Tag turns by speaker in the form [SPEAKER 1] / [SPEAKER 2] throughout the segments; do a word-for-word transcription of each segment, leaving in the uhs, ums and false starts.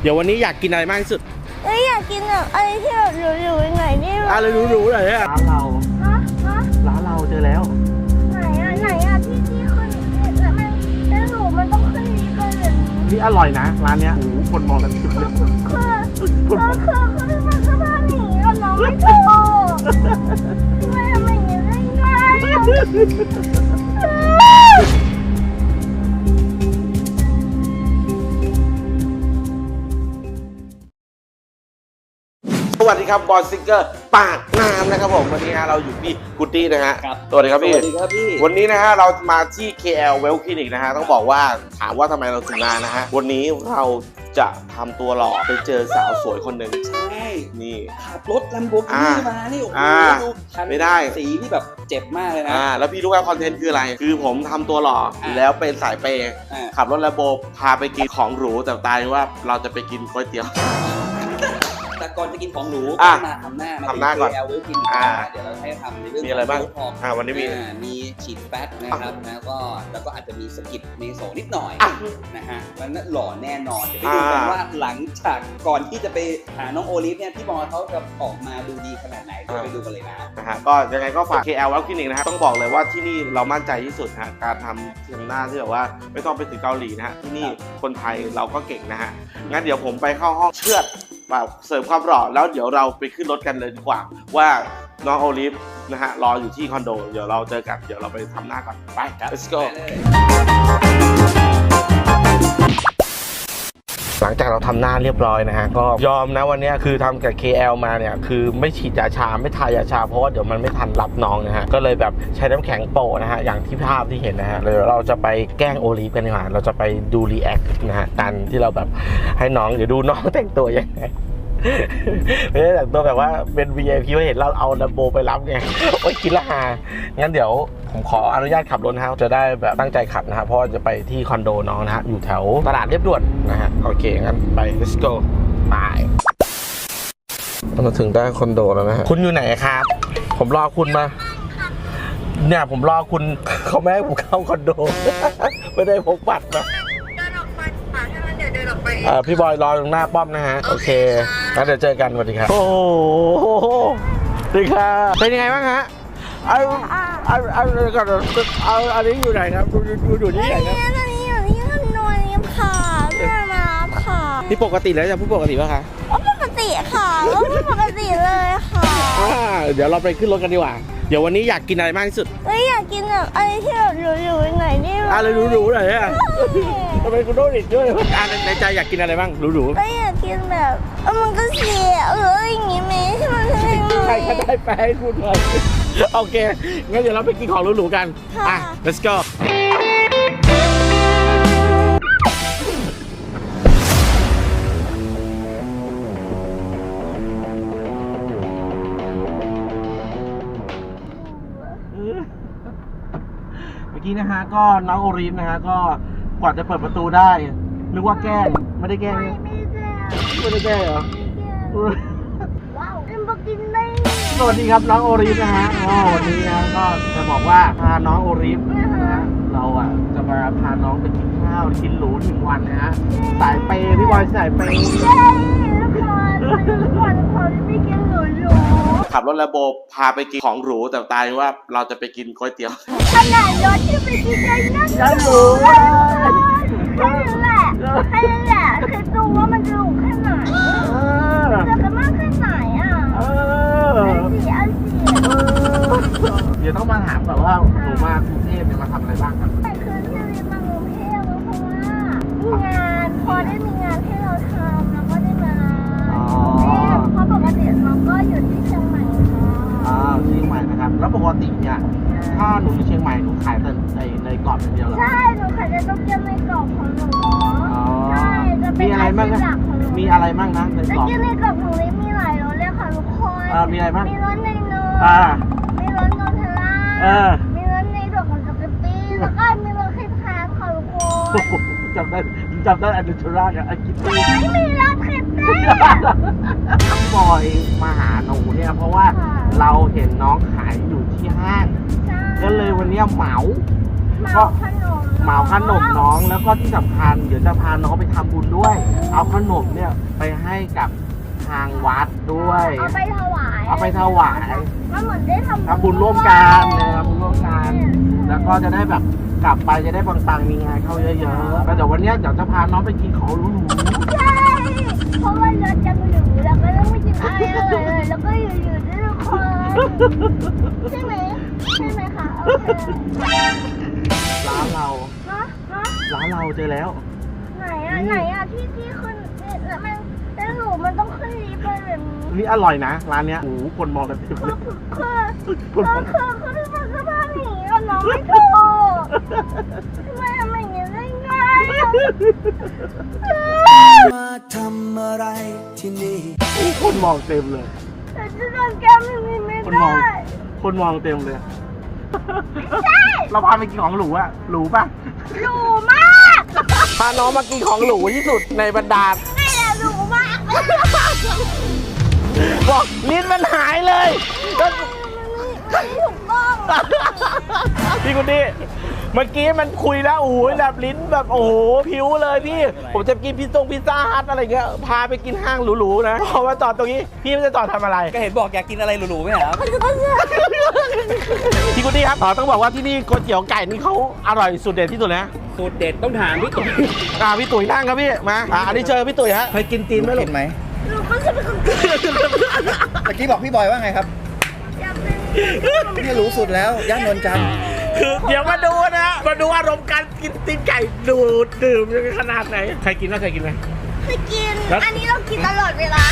[SPEAKER 1] เดี๋ยววันนี้อยากกินอะไรมากที่สุด
[SPEAKER 2] เอ้ยอยากกินแบบอะไรที่แบบหรูๆหน่อยได้ไหม
[SPEAKER 1] อะไรหรูๆหน่อยเนี่ยร้านเรา
[SPEAKER 2] ฮะฮะ
[SPEAKER 1] ร้านเราเจอแล้ว
[SPEAKER 2] ไหนอ่ะไหนอ่ะที่ที่ขึ้นแล้วมันแล้วหรูมันต้องขึ้นนี้กันเลย
[SPEAKER 1] นี่อร่อยนะร้านเนี้ยโอ้โหคนมองกันจุดเลย
[SPEAKER 2] คือคือคือคือมันก็บ้านหนีกับน้องไม่ถูกทำไมทำไมอย่างนี้ได้ไง
[SPEAKER 1] สวัสดีครับบอลซิงเกอร์ปากน้ำนะครับผมวันนี้ฮะเราอยู่ที่กุตตี้นะฮะสวัสดีครับพี่สวัสดีครับพี่วันนี้นะฮะเรามาที่ เค แอล Well Clinic นะฮะต้องบอกว่าถามว่าทำไมเราถึงมานะฮะวันนี้เราจะทำตัวหล่อไปเจอสาวสวยคนหนึ่ง
[SPEAKER 3] ใช่
[SPEAKER 1] นี่
[SPEAKER 3] ขับรถ Lamborghini มานี่โอ้โหดูคัน
[SPEAKER 1] ไม่ได้
[SPEAKER 3] สีที่แบบเจ็บมากเลยนะ
[SPEAKER 1] อ่าแล้วพี่รู้ว่าคอนเทนต์คืออะไรคือผมทำตัวหล่อแล้วเป็นสายเปย์ขับรถ Lambo พาไปกินของหรูแต่ตายว่าเราจะไปกินก๋วยเตี๋ยว
[SPEAKER 3] แต่ก่อนจะกินของหรูก็มาทำหน้า
[SPEAKER 1] ทำหน้าก่อน
[SPEAKER 3] เดี๋ยวเราให้ทำในเรื่อง
[SPEAKER 1] มีอะไรบ้างอ่าวันนี้มี
[SPEAKER 3] มีฉีดแฟตนะครับแล้วก็แล้วก็อาจจะมีสกิดเมโซนิดหน่อยนะฮะมันหล่อแน่นอนเดี๋ยวไปดูกันว่าหลังจากก่อนที่จะไปหาน้องโอลิฟเนี่ยพี่บอลเขาจะออกมาดูดีขนาดไหนเดี๋ยวไปดูกันเลยนะ
[SPEAKER 1] นะฮะก็ยังไงก็ฝาก เค แอล Well Clinic นะฮะต้องบอกเลยว่าที่นี่เรามั่นใจที่สุดฮะการทำทำหน้าที่แบบว่าไม่ต้องไปถึงเกาหลีนะฮะที่นี่คนไทยเราก็เก่งนะฮะงั้นเดี๋ยวผมไปเข้าห้องเชือดแบบเสริมความหล่อแล้วเดี๋ยวเราไปขึ้นรถกันเลยดีกว่าว่าน้องโอลิฟนะฮะรออยู่ที่คอนโดเดี๋ยวเราเจอกันเดี๋ยวเราไปทำหน้าก่อนไป let's go หลังจากเราทำหน้าเรียบร้อยนะฮะก็ยอมนะวันนี้คือทำกับ เค แอล มาเนี่ยคือไม่ฉีดยาชาไม่ทายาชาเพราะว่าเดี๋ยวมันไม่ทันรับน้องนะฮะก็เลยแบบใช้น้ำแข็งโปะนะฮะอย่างที่ภาพที่เห็นนะฮะเดี๋ยวเราจะไปแกล้งโอลิฟกันดีกว่าเราจะไปดูรีแอคนะฮะการที่เราแบบให้น้องเดี๋ยวดูน้องแต่งตัวยังไงไม่ได้แต่งตัวแบบว่าเป็น วี ไอ พี ว่าเห็นเราเอาดัมโบไปรับไงโอ๊ยกินละหางั้นเดี๋ยวผมขออนุญาตขับรถนะฮะจะได้แบบตั้งใจขับนะฮะเพราะจะไปที่คอนโดน้องนะฮะอยู่แถวตลาดเรียบด่วนนะฮะโอเคงั้นไป let's go ไปมาถึงได้คอนโดแล้วนะฮะคุณอยู่ไหนครับผมรอคุณมาเนี่ยผมรอคุณเขาไม่ให้ผมเข้าคอนโดไม่ได้พกบัตรนะอ่าพี่บอยรอตรงหน้าป้อมนะฮะโอเคงั้นเดี๋ยวเจอกันสวัสดีครับโอ้โหสวัสดีครับเป็นยังไงบ้างฮะเอาเอาเอาก่อนเอาอันนี้อยู่ไหนครับดูดูอยู่ที่ไหนครับ
[SPEAKER 2] อันนี้อยู่ที่คอนโดนี้ค่ะที่มารับค่ะ
[SPEAKER 1] นี่ปกติแล้วจะพูดปกติป่ะคะ
[SPEAKER 2] อ๋อปกติค่ะก็ปกติเลยค่ะ
[SPEAKER 1] อ่าเดี๋ยวเราไปขึ้นรถกันดีกว่าเดี๋ยววันนี้อยากกินอะไรมากที่สุด
[SPEAKER 2] เอ้ยอยากกินแบบอะไรที่แบบหรูๆหน่อยได้ไหม
[SPEAKER 1] อะไรหรูๆหน่อยเนี่ยทำไมคุณโดนอีกด้วยอ่าในใจอยากกินอะไรบ้างหรูๆ
[SPEAKER 2] เอ้ยอยากกินแบบเออมันก็เสียเอออย่างงี้ไหมที่มันเป็น
[SPEAKER 1] ใครก็ได้ไปให้พูดเลยโอเคงั้นเดี๋ยวเราไปกินของหรูๆกันอ่ะ let's goเมื่อกี้นะฮะก็น้องโอริฟนะฮะก็กว่าจะเปิดประตูได้นึกว่าแกล้งไม่ได้แกล้งไม่ได้แกล้งเหรอ
[SPEAKER 2] ว้าวเอ็มบอกกินได้
[SPEAKER 1] สวัสดีครับน้องโอริฟนะฮะอ๋อวันนี้นะก็จะบอกว่าพาน้องโอริฟนะฮะเราอ่ะจะมาพาน้องไปกินข้าวกินหรูหนึ่งวันนะฮะสายเปย์พี่บอยสายเปย์
[SPEAKER 2] ใช่ทุกคนทุกคนไม่กินหรูหรู
[SPEAKER 1] ขับรถLamboพาไปกินของหรูแต่ตายว่าเราจะไปกินก๋วยเตี๋ยว
[SPEAKER 2] ขนาดรถที่ไปกินได้นั่ง
[SPEAKER 1] หรู
[SPEAKER 2] แค่นั้นแหละแค่นั้นแหละคือดูว่ามันจะหรูแค่ไหนจะกันมากแค่ไหนอ่ะ
[SPEAKER 1] เออ
[SPEAKER 2] สีอันสี
[SPEAKER 1] เดี๋ยวต้องมาถามก่อนว่าหนูมากรุงเทพเนี่ยมาทำอะไรบ้างครับ
[SPEAKER 2] คือที่เรียนมากรุงเทพเพราะว่ามีงานพอได้มีงานให้เราทำแล้วก็ได้มาเพราะปกติเราก็อยู่ที่เชียงใหม่
[SPEAKER 1] อ่าเชียงใหม่นะครับแล้วปกติเนี่ยถ้าหนูอยู่เชียงใหม่หนูขายแต่ในในกรอบอย่างเดียวเหรอ
[SPEAKER 2] ใช่หนูขายแต่ต้มยำในกรอบของหนูใช่จะเป็น
[SPEAKER 1] มีอะไรบ้างนะมีอะไรบ้างนะในกรอบ
[SPEAKER 2] ในกรอบของลิมีหลายรสเลยค่ะทุกคน
[SPEAKER 1] อ่ามีอะไรบ้าง
[SPEAKER 2] มีรสในเนย
[SPEAKER 1] อ่า
[SPEAKER 2] มีรสโนเทลล่า
[SPEAKER 1] อ่า
[SPEAKER 2] มีรสในดอกของสปาเกตตี้แล้วก็มีรสครีมแพนค่ะทุกคน
[SPEAKER 1] จำได้จำได้อันดูชรากับอันกิตตี้
[SPEAKER 2] ไม่มีรสครีมแพน
[SPEAKER 1] บอยมาหาหนูเนี่ยเพราะว่าเราเห็นน้องขายอยู่ที่ห้างก็เลยวันนี้เหมา
[SPEAKER 2] เหมาขนม
[SPEAKER 1] เหมาขนมน้องแล้วก็ที่สำคัญเดี๋ยวจะพาน้องไปทำบุญด้วย เอาขนมเนี่ยไปให้กับทางวัดด้วย
[SPEAKER 2] เอาไปถวาย
[SPEAKER 1] เอาไปถวาย
[SPEAKER 2] มันเหมือนได้ทำ
[SPEAKER 1] ทำบุญร่วมกันเนี่ยทำบุญร่วมกันแล้วก็จะได้แบบกลับไปจะได้ปังๆมีงานเข้าเยอะๆแล้วเดี๋ยววันเนี้ยเดี๋ยวจะพาน้องไปกินของหรู
[SPEAKER 2] ใช่เพราะว่าเราจะมาอยู่แล้วก็ต้องไม่กินอะไรเลยแล้วก็อยู่ๆด้วยทุกคนใช่ไหมใช่ไหมคะโอเค
[SPEAKER 1] ๆร้านเรา
[SPEAKER 2] ฮะฮะ
[SPEAKER 1] ร้านเราเจอแล้ว
[SPEAKER 2] ไหนอ่ะไหนอ่ะที่ที่ขึ้นเนี่ยแล้วมันแล้วหนูมันต้องขึ้นลิฟต์ไปแบบนี้
[SPEAKER 1] นี่อร่อยนะร้านเนี้ยโอ้โหคนมองกันเต็ม
[SPEAKER 2] คื
[SPEAKER 1] เล
[SPEAKER 2] อย คือ
[SPEAKER 1] ค
[SPEAKER 2] คือน
[SPEAKER 1] มอง
[SPEAKER 2] คือคือที่มันสภาพอย่างนี้กับน้องไม่ถูกทำไมทำอย่างนี้ได้ไงอะ
[SPEAKER 4] มาทำอะไรที่นี่
[SPEAKER 1] คนมองเต็มเลย
[SPEAKER 2] แต่จะโดนแก้มอย่างนี้ไม่
[SPEAKER 1] คนม
[SPEAKER 2] ได้
[SPEAKER 1] องคนมองเต็มเลย
[SPEAKER 2] ใช่
[SPEAKER 1] เราพาไปกินของหรูอะหรูป่ะ
[SPEAKER 2] หรูมาก
[SPEAKER 1] พาน้องมากินของหรูที่สุดในบรรดา
[SPEAKER 2] ไม่แหละหรูมาก
[SPEAKER 1] บอกลิ้นมันหายเลยก็
[SPEAKER 2] มันไม่ถูกต้อง
[SPEAKER 1] พี่คุณดิเมื่อกี้มันคุยแล้วโอ้โหแบบลิ้นแบบโอ้โหผิวเลยพี่ ผมจะกินพิซซ่งพิซซ่าฮัทอะไรเงี้ยพาไปกินห้างหรูๆนะพอมาจอดตรงนี้พี่ไม่จะจอดทำอะไร
[SPEAKER 3] ก็เห็นบอกอยากกินอะไรหรูๆไหมครับ
[SPEAKER 1] พี่คุณดิครับอ๋อต้องบอกว่าที่นี่ก๋วยเตี๋ยวไก่นี่เขาอร่อยสุดเด็ดที่สุดนะ
[SPEAKER 3] สูตรเด็ดต้องถามพี่ตุ๋ย
[SPEAKER 1] อ่าพี่ตุ๋ยนั่งครับพี่มาอ่าอันนี้เชิญพี่ตุ๋ยฮะ
[SPEAKER 5] เคยกินตีนไหมลูก
[SPEAKER 4] กินไหม
[SPEAKER 2] หนูก็จะเป็นคนกิน
[SPEAKER 4] เมื่อกี้บอกพี่บอยว่าไงครับ
[SPEAKER 2] อยากเป็น
[SPEAKER 4] นี่รู้สุดแล้ว ย่านนวลจันทร์
[SPEAKER 1] คือเดี๋ยวมาดูนะมาดูอารมณ์การกินตีนไก่ดูดดื่มยังไงขนาดไหนใครกินบ้างเคยกินไหม
[SPEAKER 2] เคยกิน
[SPEAKER 1] แล้ว
[SPEAKER 2] อันนี้เรากินตลอดเวลา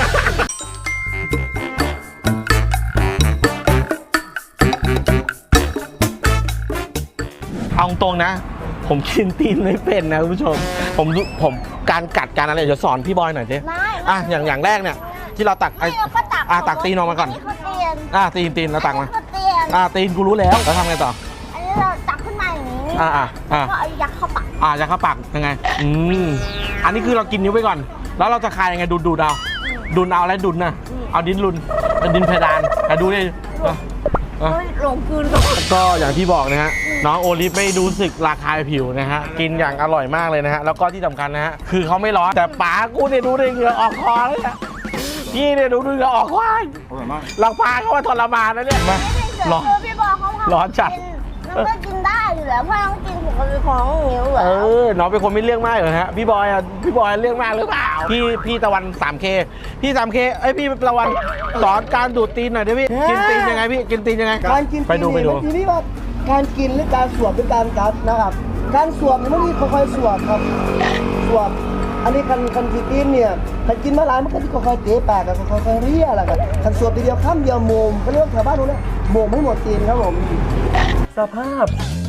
[SPEAKER 1] เอาตรงนะ ผมกินตีนไม่เป็นนะคุณผู้ชม ผมผมการกัดการอะไรเดี๋ยวสอนพี่บอยหน่อยสิ
[SPEAKER 2] ไม่
[SPEAKER 1] อ่ะอย่างอย่างแรกเนี่ยที่เราตักไอ้
[SPEAKER 2] ไม่เราก็ตัก
[SPEAKER 1] อ่ะตักตีนออกมาก่อน
[SPEAKER 2] อันนี้คือเตียน
[SPEAKER 1] อ่ะตีนตีนเราตักมา
[SPEAKER 2] อันนี้คือเตียน
[SPEAKER 1] อ่ะตีนกูรู้แล้วแล้วทำไงต่อ
[SPEAKER 2] อันนี้เราตักขึ้นมาอย่างนี้
[SPEAKER 1] อ่ะอ่ะอ่ะ
[SPEAKER 2] ก็เอายัดเข้าปาก
[SPEAKER 1] อ่ะจะเข้าปากยังไงอืมอันนี้คือเรากินนิ้วไปก่อน แล้วเราจะคายยังไงดูดดูดเอาดูดเอาอะไรดูดนะเอาดินลุนเอาดินเพดานอ่ะดูดิอ่ะอ่ะ
[SPEAKER 2] เฮ้ยหลงกลืนหลง
[SPEAKER 1] ก็อย่างที่บอกนะฮะน้องโอลิฟไม่รู้สึกระคายผิวนะฮะกินอย่างอร่อยมากเลยนะฮะแล้วก็ที่สำคัญนะฮะคือเขาไม่ร้อนแต่ป๋ากูเนี่ยดูดิเหงื่อออกคอเลยอะพี่เนี่ยดูดูเหงื่อออกควาย
[SPEAKER 4] อร่อยมาก
[SPEAKER 1] เราพาเขามาทรมานนะเนี่ยมา ร้อน
[SPEAKER 2] คือพี่บอกเขาทำ
[SPEAKER 1] ร้อนจัด
[SPEAKER 2] กิมันก็กินได้อยู่แล้วเพราะต้องกินปกติของนิ้วแล้
[SPEAKER 1] เอ
[SPEAKER 2] ว
[SPEAKER 1] อน้องเป็นคนไม่เรื่องมากเหรอฮะพี่บอยอ่ะพี่บอยเรื่องมากหรือเปล่าพี่พี่ตะวัน สามเค พี่ สามเคเอ้ยพี่ตะวันสอนการดูดตีนหน่อยดิพี่กินตีนยังไงพี่กินตีนยังไง
[SPEAKER 5] การกิน
[SPEAKER 1] ไปดูไปดู
[SPEAKER 5] ทีนี้ว่าการกินหรือการสวมหรือการกัดนะครับ การสวมเนี่ยมันมีค่อยๆสวมครับสวมอันนี้คันคันกินตีนเนี่ยคันกินมาหลายมันก็จะค่อยๆเตะปากกับค่อยๆเรียอะไรกันคันสวมทีเดียวข้ามเดียวโมมเขาเรียกว่าแถวบ้านนู้นนะโมมให้หมดตีนครับผมสภาพ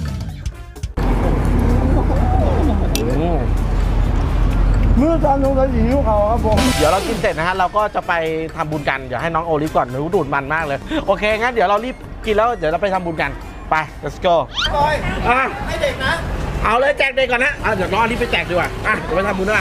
[SPEAKER 1] อืม
[SPEAKER 5] มือจานลงกระหิวเขาครับผม
[SPEAKER 1] เดี๋ยวเรากินเสร็จนะฮะเราก็จะไปทำบุญกันเดี๋ยวให้น้องโอลิฟก่อนรู้ดูดมันมากเลยโอเคงั้นเดี๋ยวเรารีบกินแล้วเดี๋ยวเราไปทำบุญกันไป let's go
[SPEAKER 5] บอย
[SPEAKER 1] อ่ะ
[SPEAKER 5] ให้เด็กนะ
[SPEAKER 1] เอาเลยแจกเด็กก่อนนะอ่ะเดี๋ยวน้องโอลิฟไปแจกดีกว่าอ่ะเดี๋ยวไปทำบุญด้วย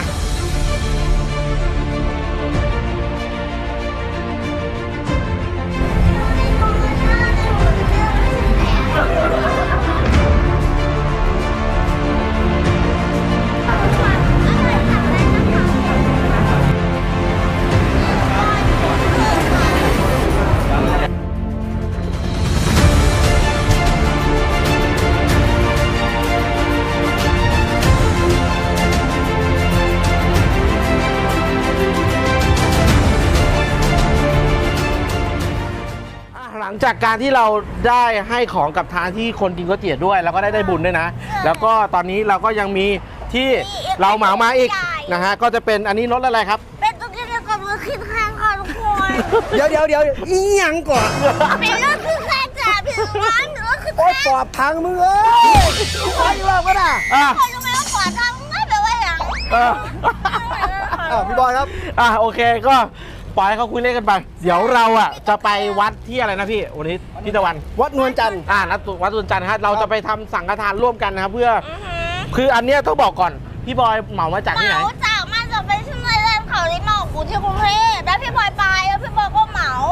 [SPEAKER 1] หลังจากการที่เราได้ให้ของกับทางที่คนกินก๋วยเตี๋ยวด้วย แล้วก็ได้ได้บุญด้วยนะ แล้วก็ตอนนี้เราก็ยังมีที่เราเหมามาอีกนะฮะก็จะเป็นอันนี้รถอะไรครับ
[SPEAKER 2] เป็นตัวที่เดียวกับรถขึ้นข้างค่ะทุกคน
[SPEAKER 5] เดี๋ยวเดี๋ยวเดี๋ยวอีหยังก่อน
[SPEAKER 2] เป็นรถขึ้นข้างจ้ะพี่ร้านรถขึ้น
[SPEAKER 5] โอ๊ย
[SPEAKER 2] ข้าง
[SPEAKER 5] ปอบพังมึงเอ้ยขออีกรอบก็ได้
[SPEAKER 1] อ่ะ
[SPEAKER 2] คนรู้ไหมว่าขวาทางไม่แปลว่าอย่าง
[SPEAKER 1] เออ
[SPEAKER 5] อ่ะพี่บอยครับ
[SPEAKER 1] อ่ะโอเคก็ปล่อยให้เขาคุยเล่นกันไป เดี๋ยวเราอ่ะจะไปวัดที่อะไรนะพี่วันนี้พี่ตะวัน
[SPEAKER 5] วัดนวลจันทร์
[SPEAKER 1] อ่านัดวัดตุนจันทร์นะครับเราจะไปทำสังฆทานร่วมกันนะครับเพื่อคืออันเนี้ยต้องบอกก่อนพี่บอยเหมามาจากที่ไหน
[SPEAKER 2] เหมาจากมาจากเป็นชื่อเล่นเขาลิเหมากูที่กรุงเทพแล้วพี่บอยไปแล้วพี่บอยก็เหมา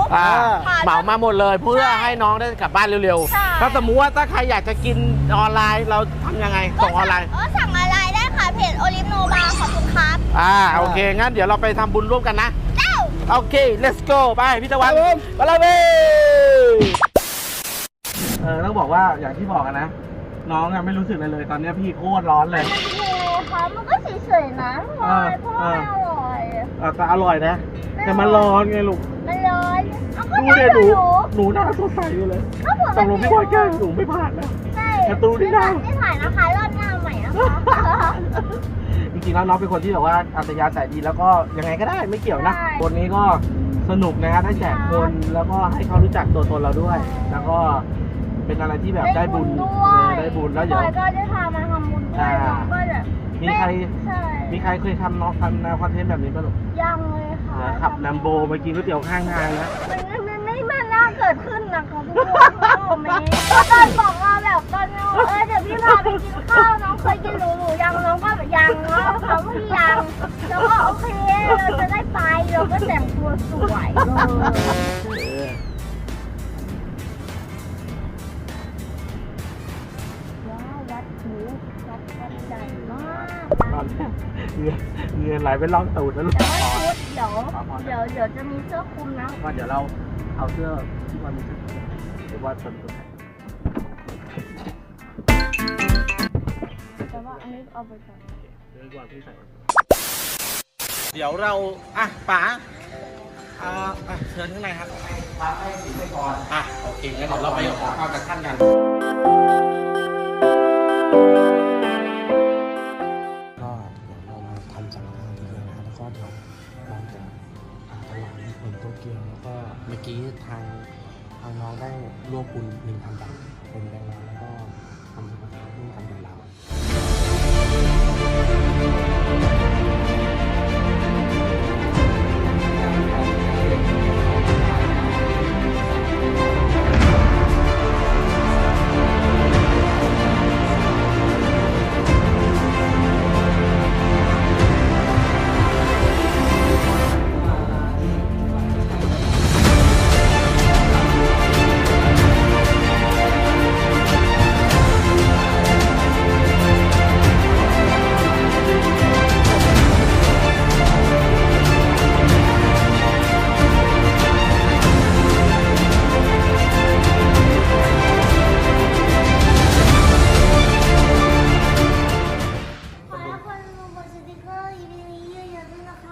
[SPEAKER 1] อ่า
[SPEAKER 2] ค่ะ
[SPEAKER 1] เหมามาหมดเลยเพื่อให้น้องได้กลับบ้านเร็ว
[SPEAKER 2] ใช่
[SPEAKER 1] ๆถ้าสมมุติว่าถ้าใครอยากจะกินออนไลน์เราทำยังไงส่งออนไลน์
[SPEAKER 2] เออสั่งออนไลน์ได้ค่ะเพจโอลิฟโนบาขอบคุณครับ
[SPEAKER 1] อ่าโอเคงั้นเดี๋ยวเราไปทำบุญร่วมกันนะ
[SPEAKER 2] เจ้า
[SPEAKER 1] โอเค let's go ไปพี่ตะวัน
[SPEAKER 5] ครับผม
[SPEAKER 1] ไปเลยเว้ยเออต้องบอกว่าอย่างที่บอกกันนะ น้องอะไม่รู้สึกอะไรเลยตอนนี้พี่โคตรร้อนเลย
[SPEAKER 2] มันเป็นยังไงคะมันก็เฉยๆนะพลอยเพราะว่ามันอร่อย
[SPEAKER 1] เออแต่อร่อยนะ แต่มันร้อนไงลูก
[SPEAKER 2] มันร้อนเอาก็
[SPEAKER 1] ดู
[SPEAKER 2] ได้
[SPEAKER 1] เด็
[SPEAKER 2] ห
[SPEAKER 1] หนู
[SPEAKER 2] นู
[SPEAKER 1] หนูหน้าสดใสอยู่เลย
[SPEAKER 2] ก็ผม
[SPEAKER 1] ตกลงพี่บอยแกล้งหนูไม่ผ่านนะ
[SPEAKER 2] ใช่
[SPEAKER 1] แต่ตูนี่นะ
[SPEAKER 2] ไม่ถ่ายนะคะรอบหน้าใหม่นะคะ
[SPEAKER 1] จริงๆแล้วน้องเป็นคนที่แบบว่าอัธยาศัยดีแล้วก็ยังไงก็ได้ไม่เกี่ยวนะวันนี้ก็สนุกนะฮะได้แจกคนแล้วก็ให้เขารู้จักตัวตนเราด้วย แล้วก็เป็นอะไรที่แบบได้บุญ
[SPEAKER 2] ด้
[SPEAKER 1] เอ
[SPEAKER 2] ว
[SPEAKER 1] อย ได้บุญแล้วเดี๋ยว
[SPEAKER 2] พลอยก็ได้พามาทำบุญด้วย
[SPEAKER 1] อ่า
[SPEAKER 2] น้องก็จะ
[SPEAKER 1] มีใคร
[SPEAKER 2] ใช่
[SPEAKER 1] มีใครเคยทำน้องทำแนวคอนเทนต์แบบนี้ป่ะลูก
[SPEAKER 2] ยังเลยค่ะ
[SPEAKER 1] นะขับแลมโบมากินก๋วยเตี๋ยวข้างทางนะ
[SPEAKER 2] มันไม่ไม่ไม่มันน่าเกิดขึ้นนะคะทุกคนโอ้ไม่ตอนบอกว่าแบบตอนนี้เออเดี๋ยวพี่พาไปกินข้าวน้องเคยกินหรูหรูยังน้องก็แบบยังเนาะเขาพี่ยังแล้วก็โอเคเราจะได้ไปเราก็แต่งตัวสวยเลย ว้าววัดหูวัดวัดใหญ่มาก
[SPEAKER 1] ตอนนี้เหงื่อเหงื่อไหลไปล่องตูดแล้วลูก
[SPEAKER 2] แต่ว่าชุดเดี๋ยวเดี๋ยวเดี๋ยวจะมีเสื้อคลุมนะ
[SPEAKER 1] ก็เดี๋ยวเราเอาเสื้อที่มันมีเสื้อหรือว่าสนตัว
[SPEAKER 2] แต่ว่าอันนี้เอาไปก่อน
[SPEAKER 1] เดี๋ยวก่อนพี่ใส่เดี๋ยวเราอ่ะป๋าอ่าอ่ะเชิญข้างในครับพาให้สิไปก่อนอ่ะโอเคงั้นเดี๋ยวเราไปขอข้าวจากท่านกัน
[SPEAKER 6] ก็เดี๋ยวเรามาทำสังฆทานทีเดียวนะครับแล้วก็เดี๋ยวเราจะอ่าถวายเหรียญโตเกียวแล้วก็เมื่อกี้ทางทางน้องได้ร่วมบุญหนึ่งพันบาทเป็นแบงค์ร้อยแล้วก็ทำสังฆทานร่วมกันกับเรา
[SPEAKER 2] ขอให้คนดูบนสติกเกอร์อีพีนี้เยอะๆด้วยนะคะ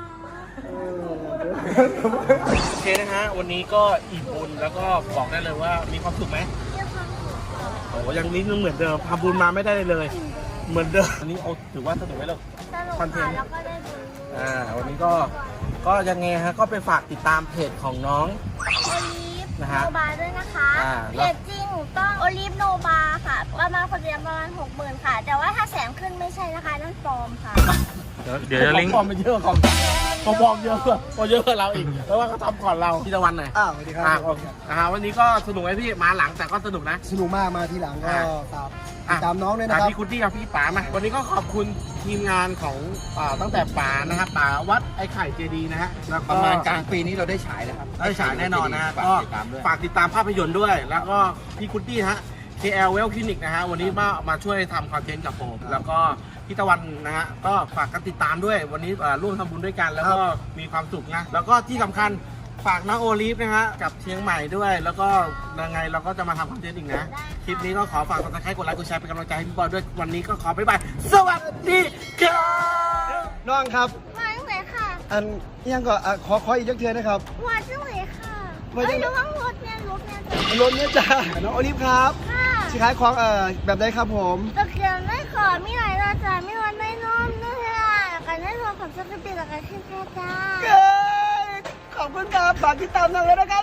[SPEAKER 1] โอเคนะฮะวันนี้ก็อิ่มบุญแล้วก็บอกได้เลยว่ามีความสุขไหม
[SPEAKER 2] เยอะความสุขค่ะ
[SPEAKER 1] โอ้ยังนิดนึงเหมือนเดิมทำบุญมาไม่ได้เลย เหมือนเดิมอันนี้เอาถือว่าสนุกไหมลูก
[SPEAKER 2] สนุก
[SPEAKER 1] คอนเทน
[SPEAKER 2] ค่ะ
[SPEAKER 1] ต์
[SPEAKER 2] แล้วก็ได้บุญ
[SPEAKER 1] อ่าวันนี้ก็ก็ยังไงฮะก็ไปฝากติดตามเพจของน้อง
[SPEAKER 2] โอลิฟ
[SPEAKER 1] นะ
[SPEAKER 2] โน
[SPEAKER 1] ฮะ
[SPEAKER 2] บาด้วยนะคะ
[SPEAKER 1] อ่า
[SPEAKER 2] เพจจริงต้องโอลิฟโนบาค่ะประมาณคนเดียวประมาณหกหมื่นค่ะ แต่ว่าถ้าแสนขึ้นไม่ใช่นะคะนั่นปลอมค่ะ
[SPEAKER 1] เดี๋ยวเดี๋ยวลิงก์ปลอมไปเยอะของปลอมเยอะกว่าเยอะกว่าเราอีกเพราะว่าเขาทำก่อนเราพี่ตะวันหน่อย
[SPEAKER 5] อ้าวสวัสดีครั
[SPEAKER 1] อ่า
[SPEAKER 5] บ
[SPEAKER 1] โอเคอ่าวันนี้ก็สนุกไหมพี่มาหลังแต่ก็สนุกนะ
[SPEAKER 5] สนุกมากมาทีหลังก็
[SPEAKER 1] อ่ะ
[SPEAKER 5] ตามติดตามน้องด้วยนะ
[SPEAKER 1] อ่ะ
[SPEAKER 5] ครับ
[SPEAKER 1] พี่คุณที่กับพี่ป๋ามาวันนี้ก็ขอบคุณทีมงานของอ่าตั้งแต่ป๋านะครับป๋าวัดไอ้ไข่เจดีนะฮะแล้วก็
[SPEAKER 3] ประมาณกลางปีนี้เราได้ฉายแล้วครับ
[SPEAKER 1] ได้ฉายแน่นอนนะฮะ
[SPEAKER 3] ฝาก
[SPEAKER 1] ก็
[SPEAKER 3] ติดตามด้วย
[SPEAKER 1] ฝากติดตามภาพยนตร์ด้วย แล้วก็พี่คุณตี้ฮะ เค แอล Well Clinic นะฮะวันนี้มามาช่วยทำคอนเทนต์กับผมแล้วก็พี่ตะวันนะฮะก็ฝากกันติดตามด้วยวันนี้อ่าร่วมทำบุญด้วยกัน แล้วก็มีความสุขนะแล้วก็ที่สำคัญฝากน้องโอลิฟนะฮะกับเชียงใหม่ด้วย แล้วก็ยังไงเราก็จะมาทำคอนเทนต์อีกนะ คลิปนี้ก็ขอฝากกดติดตามกดไลค์กดแชร์เป็นกำลังใจให้พี่บอยด้วยวันนี้ก็ขอบ๊ายบายสวัสดีครับ
[SPEAKER 5] น้องครับ
[SPEAKER 2] มาจังเลยค่ะ
[SPEAKER 5] อันยังก็อ่ะขอขออีกจักเทือนะครับ
[SPEAKER 2] มาจังเลยค่ะ
[SPEAKER 5] มาจั
[SPEAKER 2] เอ้
[SPEAKER 5] ง
[SPEAKER 2] ยระวังรถเนี่ยรถเนี่ยจะ
[SPEAKER 5] รถเนี้ยจ้าน้องโอลิฟครับ
[SPEAKER 2] ค่ะ
[SPEAKER 5] สิขายของเอ่อแบบใดครับผม
[SPEAKER 2] ตะเกียงไม่ขอมีหลายราจามีวันไม่นอนด้วยอ่ะกันได้รวมกับสกปรกกับการขึ้นแค่จ้า
[SPEAKER 5] เย้ขอบคุณครับฝากติดตามน้องเลยนะครับ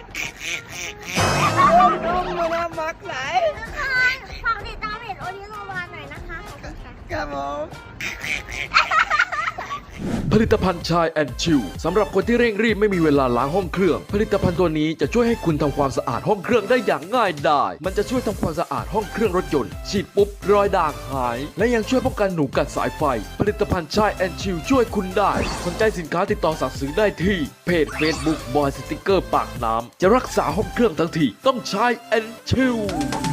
[SPEAKER 5] นุ่มๆนะมักไหน
[SPEAKER 2] ทุกคนฝากติดตามเพจโอลิโนวาหน่อยนะคะขอบคุณค่ะ
[SPEAKER 5] ครับผม
[SPEAKER 7] ผลิตภัณฑ์ชายแอนชิลสำหรับคนที่เร่งรีบไม่มีเวลาล้างห้องเครื่องผลิตภัณฑ์ตัวนี้จะช่วยให้คุณทำความสะอาดห้องเครื่องได้อย่างง่ายดายมันจะช่วยทำความสะอาดห้องเครื่องรถยนต์ฉีดปุ๊บรอยด่างหายและยังช่วยป้องกันหนูกัดสายไฟผลิตภัณฑ์ชายแอนชิลช่วยคุณได้สนใจสินค้าติดต่อสั่งซื้อได้ที่เพจ Facebook บอยสติกเกอร์ปากน้ำจะรักษาห้องเครื่องทั้งทีต้องชายแอนชิล